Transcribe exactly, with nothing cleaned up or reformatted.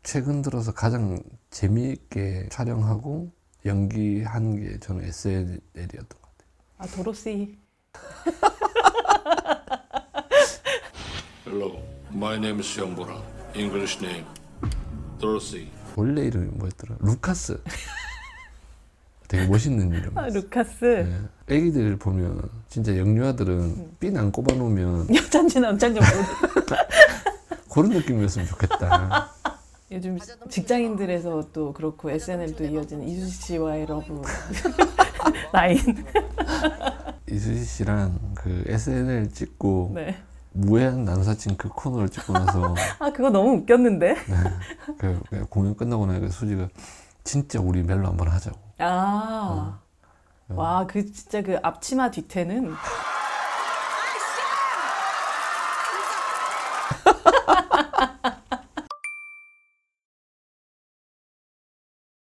최근 들어서 가장 재미있게 촬영하고 연기한 게 저는 에스엔엘이었던 것 같아요. 아 도로시. Hello, my name is Hyungbora. English name, Dorothy. 원래 이름이 뭐였더라? 루카스. 되게 멋있는 이름. 아 루카스. 네. 애기들 보면 진짜 영유아들은 핀 안 꼽아놓으면 여잔지 남잔지 모르. 그런 느낌이었으면 좋겠다. 요즘 직장인들에서 또 그렇고 에스엔엘도 이어지는 이수지 씨와의 러브 라인. 이수지 씨랑 그 에스엔엘 찍고 네. 무해한 남사친 그 코너를 찍고 나서 아 그거 너무 웃겼는데. 네, 그, 그 공연 끝나고 나니까 수지가 진짜 우리 멜로 한번 하자고. 아. 어. 와 그 진짜 그 앞치마 뒤태는